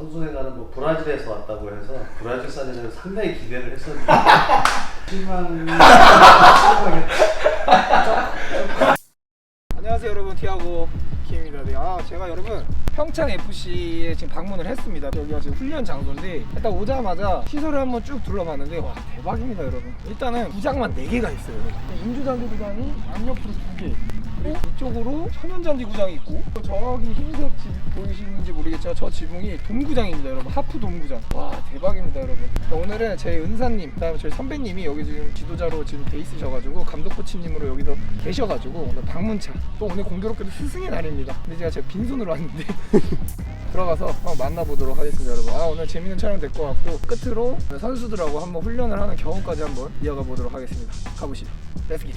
선수회가는 뭐 브라질에서 왔다고 해서 브라질 사진을 상당히 기대를 했었는데 실망. 안녕하세요 여러분, 티아고 키입니다. 네, 제가 여러분 평창 FC에 지금 방문을 했습니다. 여기가 지금 훈련 장소인데 일단 오자마자 시설을 한번 쭉 둘러봤는데 와 대박입니다 여러분. 일단은 구장만 4개가 있어요. 인조잔디 구장이 양옆으로 2개, 그리고 이쪽으로 천연잔디 구장이 있고, 저기 흰색 집 보이시는지 모르겠지만 저 지붕이 돔구장입니다 여러분. 하프 돔구장. 와 대박입니다 여러분. 오늘은 제 은사님, 그다음에 저희 선배님이 여기 지금 지도자로 지금 돼 있으셔가지고 감독 코치님으로 여기서 계셔가지고 오늘 방문차, 또 오늘 공교롭게도 스승의 날입니다. 근데 제가 빈손으로 왔는데 들어가서 한번 만나보도록 하겠습니다 여러분. 오늘 재밌는 촬영 될 것 같고, 끝으로 선수들하고 한번 훈련을 하는 경험까지 한번 이어가 보도록 하겠습니다. 가보시죠. 렛츠기.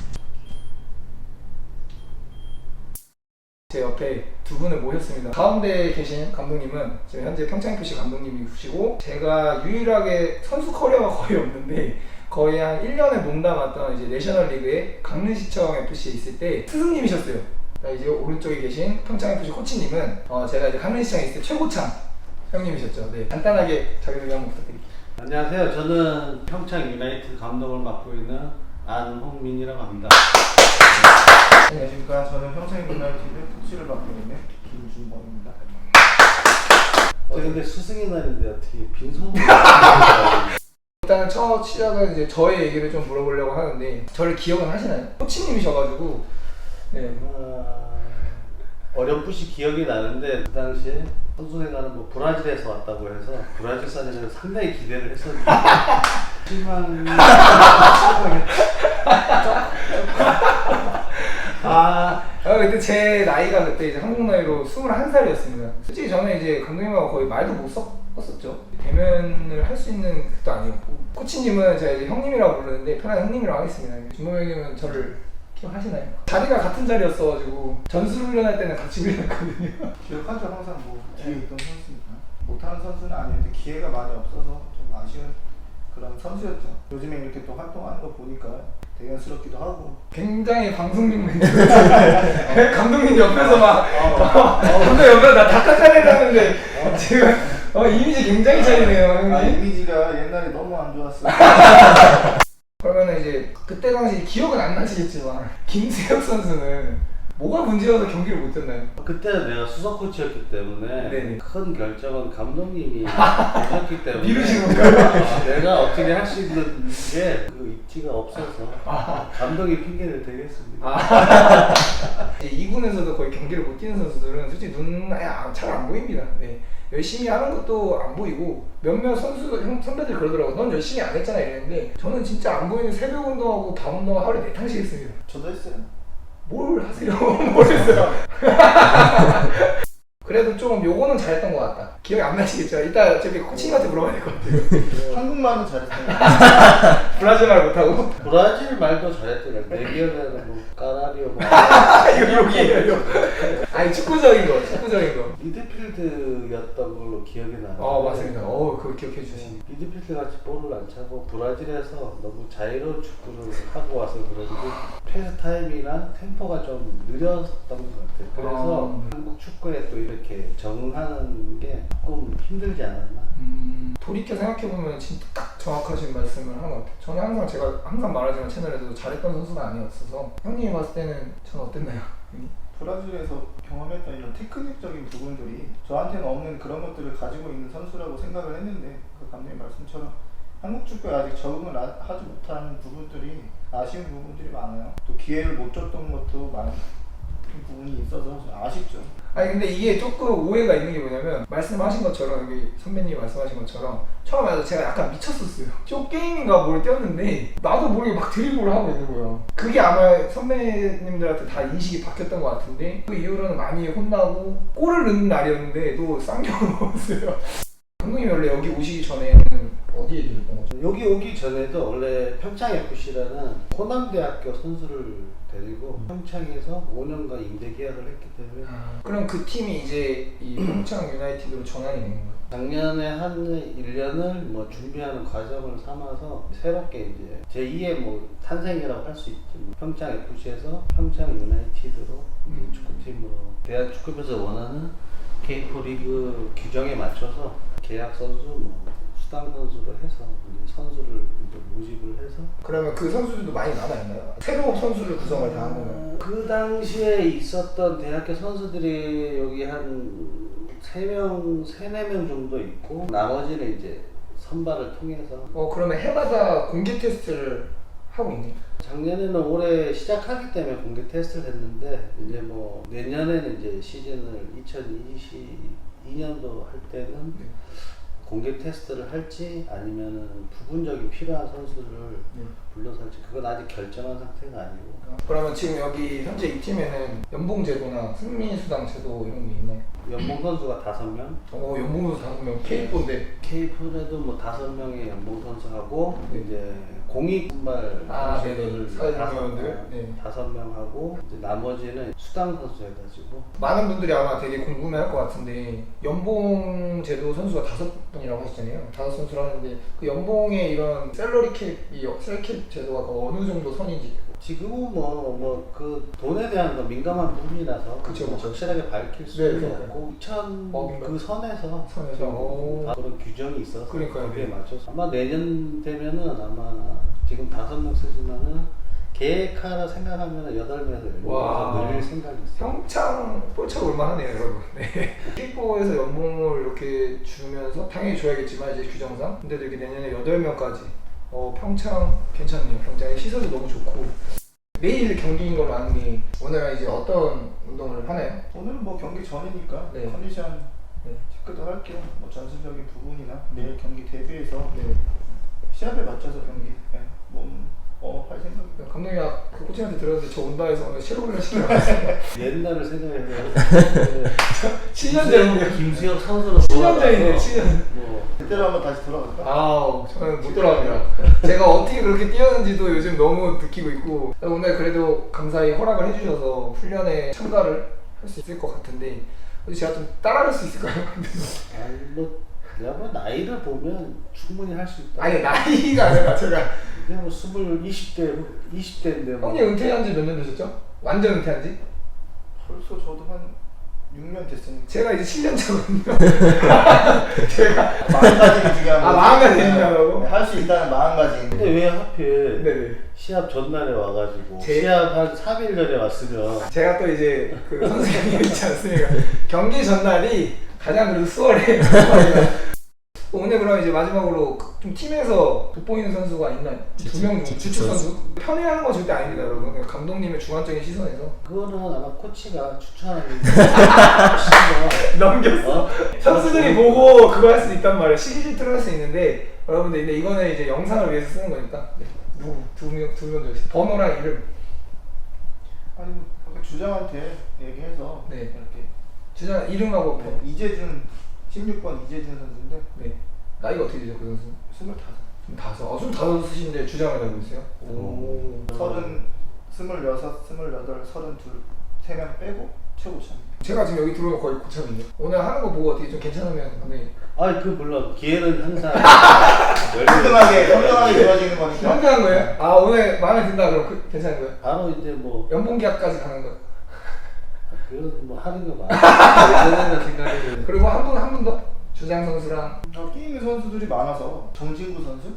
제 옆에 두 분을 모셨습니다. 가운데 계신 감독님은 지금 현재 평창FC 감독님이시고, 제가 유일하게 선수 커리어가 거의 없는데 거의 한 1년을 몸담았던 이제 내셔널리그의 강릉시청 FC에 있을 때 스승님이셨어요. 이제 오른쪽에 계신 평창FC 코치님은 제가 이제 강릉시청에 있을 때 최고창 형님이셨죠. 네, 간단하게 자기소개 한번 부탁드릴게요. 안녕하세요. 저는 평창 유나이티드 감독을 맡고 있는 안홍민이라고 합니다. 안녕하십니까. 저는 평창 유나이티드 코치를 맡고 있는 김준범입니다. 근데 스승의 날인데 어떻게 빈손으로 일단 첫 시작은 이제 저의 얘기를 좀 물어보려고 하는데, 저를 기억은 하시나요? 코치님이셔가지고. 네. 어렴풋이 기억이 나는데 그 당시에 선수회가는 뭐 브라질에서 왔다고 해서 브라질 사진을 상당히 기대를 했었는데 실망. 그때 제 나이가 그때 이제 한국 나이로 21살이었습니다. 솔직히 저는 이제 감독님하고 거의 말도 못 섞었었죠. 대면을 할 수 있는 것도 아니었고, 코치님은 제가 이제 형님이라고 부르는데 편하게 형님이라고 하겠습니다. 준범 형님은 저를 기억하시나요? 자리가 같은 자리였어가지고 전술 훈련할 때는 같이 훈련했거든요. 기억하죠. 항상 뭐 뒤에 있던 선수니까. 못하는 선수는 아니었는데 기회가 많이 없어서 좀 아쉬운 그런 선수였죠. 요즘에 이렇게 또 활동하는 거 보니까 대견스럽기도 하고. 굉장히 방송용 멘트. 감독님 옆에서 막 감독 옆에서 나 닭가까리라는데 지금 이미지 굉장히 차리네요 형님. 이미지가 옛날에 너무 안 좋았어. 그러면 이제 그때 당시 기억은 안 나시겠지만 김세혁 선수는 뭐가 문제여서 경기를 못 했나요? 그때는 내가 수석 코치였기 때문에 네네. 큰 결정은 감독님이 하셨기 때문에 미루신 건가요? 내가 어떻게 할 수 있는 게 그 입지가 없어서 감독이 핑계를 대겠습니다. 이제 2군에서도 거의 경기를 못 뛰는 선수들은 솔직히 눈에 잘 안 보입니다. 네. 열심히 하는 것도 안 보이고, 몇몇 선배들이 그러더라고요. 넌 열심히 안 했잖아 이랬는데, 저는 진짜 안 보이는 새벽 운동하고 밤 운동 하루에 4탕씩 했습니다. 저도 했어요. 뭘 하세요? 뭘 했어요? 그래도 좀 요거는 잘했던 것 같다. 기억이 안 나시겠죠? 이따 어차피 코치님한테 물어봐야 될 것 같아요. 한국말은 잘했어요. 브라질 말 못하고? 브라질 말도 잘했더라. 내 기억에는 뭐 까나리오 뭐 이거 여기에요. 아니 축구적인 거. 미드필드였던 걸로 기억이 나요. 맞습니다. 그거 기억해 주시니. 미드필드 같이 볼을 안 차고 브라질에서 너무 자유로운 축구를 하고 와서 그런지 패스 타임이나 템포가 좀 느렸었던 것 같아요. 그래서 한국 축구에 또 이렇게 적응하는 게 조금 힘들지 않았나. 돌이켜 생각해보면 진짜 딱 정확하신 말씀을 하는 것 같아요. 저는 항상 제가 항상 말하지만 채널에서도 잘했던 선수는 아니었어서, 형님이 봤을 때는 저는 어땠나요? 브라질에서 경험했던 이런 테크닉적인 부분들이 저한테는 없는 그런 것들을 가지고 있는 선수라고 생각을 했는데, 그 감독님 말씀처럼 한국 축구에 아직 적응을 하지 못한 부분들이, 아쉬운 부분들이 많아요. 또 기회를 못 줬던 것도 많은 부분이 있어서 아쉽죠. 아니 근데 이게 조금 오해가 있는 게 뭐냐면, 말씀하신 것처럼 여기 선배님이 말씀하신 것처럼 처음에 제가 약간 미쳤었어요. 쇼게임인가 뭘 떼었는데 나도 모르게 막 드리블을 하고 있는 거예요. 그게 아마 선배님들한테 다 인식이 바뀌었던 것 같은데, 그 이후로는 많이 혼나고 골을 넣는 날이었는데도 쌍욕을 먹었어요. 감독님 원래 여기 오시기 전에는 어디에 계셨던 거죠? 여기 오기 전에도 원래 평창FC라는 호남대학교 선수를 데리고 평창에서 5년간 임대 계약을 했기 때문에 그럼 그 팀이 이제 이 평창 유나이티드로 전환이 된 건가요? 작년에 한 1년을 뭐 준비하는 과정을 삼아서 새롭게 이제 제2의 뭐 탄생이라고 할 수 있죠. 평창FC에서 평창 유나이티드로 축구팀으로 대한축구협에서 원하는 K4 리그 규정에 맞춰서 계약 선수, 뭐 수당 선수를 해서 이제 선수를 이제 모집을 해서 그러면 그 선수들도 많이 남아있나요? 새로 선수를 구성을 다 한 건가요? 그 당시에 있었던 대학교 선수들이 여기 한 3명, 4명 정도 있고 나머지는 이제 선발을 통해서 그러면 해마다 공개 테스트를 하고 있네요. 작년에는 올해 시작하기 때문에 공개 테스트를 했는데 이제 뭐 내년에는 이제 시즌을 2022년도 할 때는 네. 공개 테스트를 할지 아니면은 부분적인 필요한 선수를 불러서 할지 그건 아직 결정한 상태가 아니고. 그러면 지금 여기 현재 이 팀에는 연봉 제도나 승리 수당 제도 이런 게 있나요? 연봉 선수가 5명, 연봉 선수 5명 K4인데 K4에도 뭐 5명의 연봉 선수하고 네. 이제 공익 선발 선수들을 사회자분들 5명하고 이제 나머지는 수당 선수 해가지고. 많은 분들이 아마 되게 궁금해할 것 같은데 연봉 제도 선수가 5분이라고 하셨잖아요. 5선수를 하는데 그 연봉의 이런 셀러리 캡이 셀캡 제도가 어느 정도 선인지. 지금은 뭐 그 돈에 대한 거 민감한 부분이라서 그쵸, 그쵸. 확실하게 밝힐 네, 수는 그러니까요. 없고 2000 민감. 그 선에서 오. 그런 규정이 있어서 그러니까요. 거기에 맞춰서 아마 내년 되면은 아마 지금 5명 쓰지만은 계획하라 생각하면 8명에서 와. 10명에서 늘릴 생각이 있어요. 평창 뻘차가 올만하네요, 여러분. 네. K4에서 연봉을 이렇게 주면서 당연히 줘야겠지만 이제 규정상 근데도 이렇게 내년에 8명까지 평창 괜찮네요. 평창의 시설도 너무 좋고 매일 경기인 걸로 아는데 오늘은 이제 어떤 운동을 하나요? 오늘은 뭐 경기 전이니까 네. 컨디션 네. 체크도 할게요. 뭐 전술적인 부분이나 내일 경기 대비해서 네. 시합에 맞춰서 경기 할 생각이에요. 감독님 그 코치한테 들었는데 저 온다 해서 오늘 실업 훈련 시켜봤어요. 옛날을 생각해서 7년 전이네요. 김수혁 선수로 7년 전이네요. 7년. 뭐 그때로 한번 다시 돌아갈까? 저는 못 돌아갑니다. 제가 어떻게 그렇게 뛰었는지도 요즘 너무 느끼고 있고 오늘 그래도 감사히 허락을 해주셔서 훈련에 참가를 할 수 있을 것 같은데 제가 좀 따라갈 수 있을까요? 아니 뭐 내가 뭐 나이를 보면 충분히 할 수 있다. 아니 나이가 아니라 제가 그냥 뭐 20대인데 뭐. 형님 은퇴한 지 몇 년 되셨죠? 완전 은퇴한 지? 벌써 저도 한 6년 됐으니까 제가 이제 7년 차거든요. 제가 마음가짐이 중요한 거지. 마음가짐이 중요하다고? 할 수 있다는 마음가짐. 근데 왜 하필 네네. 시합 전날에 와가지고 제- 시합 한 3일 전에 왔으면 제가 또 이제 그 선생님이 있지 않습니까? 경기 전날이 가장 그래도 수월해요. 오늘 그럼 이제 마지막으로 좀 팀에서 돋보이는 선수가 있나요? 2명 중 주축 선수? 편애하는 건 절대 아닙니다, 여러분. 그냥 감독님의 주관적인 시선에서 그거는 아마 코치가 추천하는 넘겼어. 선수들이 보고 그거 할 수 있단 말이에요. 시기질투를 할 수 있는데 여러분들 근데 이거는 이제 영상을 위해서 쓰는 거니까 네. 누구? 두 명 주세요. 번호랑 이름. 아니 뭐 주장한테 얘기해서 네. 이렇게 주장 이름하고 번호. 이재준 16번 이재준 선수인데 네. 나이가 어떻게 되죠, 그 선수? 25. 25 쓰시는데 주장을 하고 있어요? 오. 30, 26, 28, 32 3명 빼고 최고 참. 제가 지금 여기 들어오면 거의 고참이에요. 오늘 하는 거 보고 어떻게 좀 괜찮으면 근데 아니 그 물론 기회는 항상 평등하게 주어지는 거니까. 현명한 거예요? 아 오늘 마음에 든다 그럼 괜찮은 거예요? 바로 이제 뭐 연봉 계약까지 가는 거예요? 그런 뭐 하는 거 많아. 예전에는 생각이 그리고 한 분 더 주장 선수랑 끼 있는 선수들이 많아서 정진구 선수?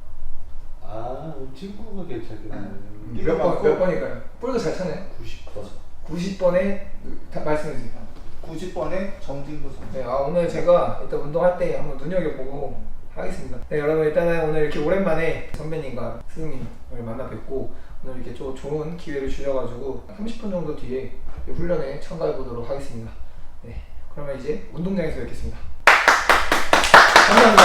친구가 괜찮겠네. 몇 번일까요? 볼도 잘 차네요. 90번. 90번에 말씀해 주세요. 90번에 정진구 선수. 네, 오늘 제가 일단 운동할 때 한번 눈여겨보고 하겠습니다. 네, 여러분 일단은 오늘 이렇게 오랜만에 선배님과 스승님을 만나 뵙고 오늘 이렇게 좀 좋은 기회를 주셔가지고 30분 정도 뒤에 훈련에 참가해 보도록 하겠습니다. 네, 그러면 이제 운동장에서 뵙겠습니다. 감사합니다.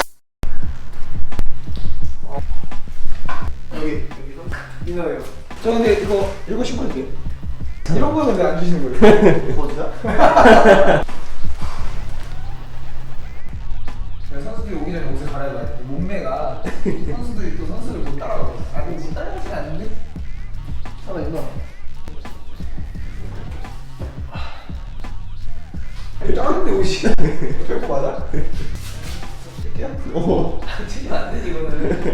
여기서? 이나요. 저 근데 이거 읽고 싶은데 이런 거는 왜 안 주시는 거예요? 거기다? 선수들이 오기 전에 옷을 갈아입어야 돼. 몸매가 선수들이 또 선수를 못 따라가고. 아니 못 따라가진 않는데? 살아있나? 작은데 옷이. 별거 맞아? 이렇게요? 튀기면 안 되지 이거는.